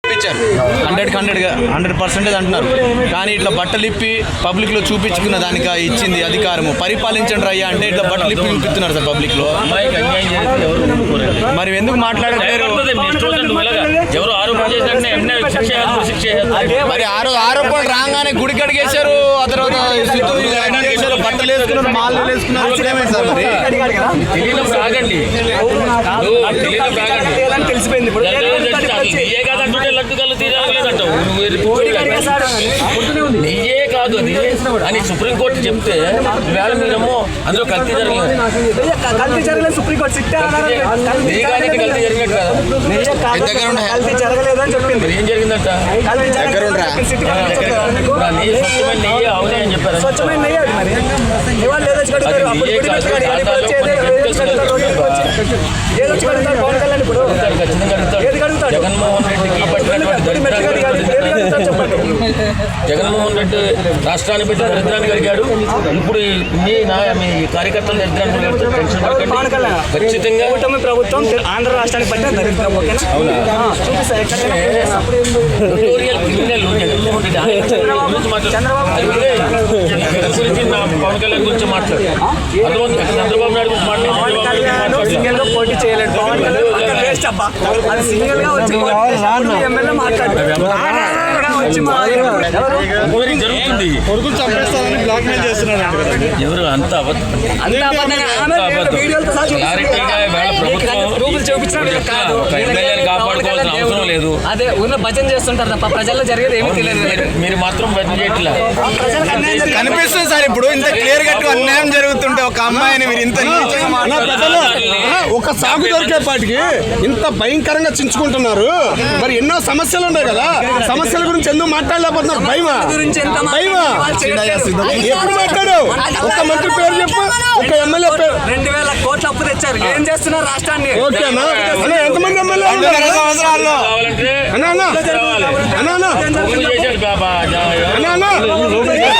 ఇచ్చారు 100% అంటున్నారు. కానీ ఇట్లా బట్టలు ఇప్పి పబ్లిక్లో చూపించుకున్న దానికి ఇచ్చింది అధికారము. పరిపాలించండి అయ్యా అంటే ఇట్లా బట్టలు ఇప్పి చూపిస్తున్నారు సార్ పబ్లిక్లో. మరి ఎందుకు మాట్లాడట్లేరు? మరి ఆరోపణలు రాగానే గుడి కడిగేశారు, ఆ తర్వాత బట్టలు వేసుకున్నారు, మాలు వేసుకున్నారు. తెలిసిపోయింది. నీయే కాదు అది అని సుప్రీంకోర్టు చెప్తే వేళ మీరేమో అందులో కల్తీ జరగలేదు. సుప్రీంకోర్టు కల్తీ జరిగినట్టు కదా. కల్తీ జరగలేదు అని చెప్పింది. ఏం జరిగిందంట? స్వచ్ఛమైన నెయ్యి అవునే అని చెప్పారు. స్వచ్ఛమైన నెయ్యి అది మరి జగన్మోహన్ రెడ్డికి జగన్మోహన్ రెడ్డి రాష్ట్రాన్ని పెట్టి దరిద్రాన్ని కలిగాడు. ఇప్పుడు మీ కార్యకర్తలు దరిద్రాన్ని ఖచ్చితంగా ప్రభుత్వం ఆంధ్ర రాష్ట్రానికి పట్టిన దరిద్రం. పవన్ కళ్యాణ్ గురించి మాట్లాడు. చంద్రబాబు నాయుడు గురించి మాట్లాడు. పోటీ చేయలేదు. పవన్ కళ్యాణ్ వేస్ట్ అబ్బా. అది సింగిల్ గా వచ్చి ఎమ్మెల్యే మాట్లాడారు. జరుగుతుంది. కొడుకులు చంపేస్తారని బ్లాక్ మెయిల్ చేస్తున్నారు. ఎవరు అంత కాపాడుకోవాల్సిన అవసరం లేదు. అదే ఉన్న భజన చేస్తుంటారు తప్ప ప్రజల్లో జరిగేది ఏమీ తెలియదు. మీరు మాత్రం భజన చేయట్లా కనిపిస్తుంది సార్. ఇప్పుడు ఇంత క్లియర్ గా అన్యాయం జరుగుతుంటే ఒక అమ్మాయిని మీరు ఇంత ఒక సాగు దొరికేపాటికి ఇంత భయంకరంగా చించుకుంటున్నారు. మరి ఎన్నో సమస్యలు ఉన్నాయి కదా, సమస్యల గురించి ఎందుకు మాట్లాడలేకపోతున్నారు? భయమా? ఎప్పుడు మాట్లాడు? ఒక మంత్రి పేరు చెప్పు, ఒక ఎమ్మెల్యే పేరు. 2000 కోట్ల అప్పు తెచ్చారు. ఏం చేస్తున్నారు రాష్ట్రాన్ని? ఓకేనా? ఎంతమంది ఎమ్మెల్యే సంవత్సరాల్లో అన్నా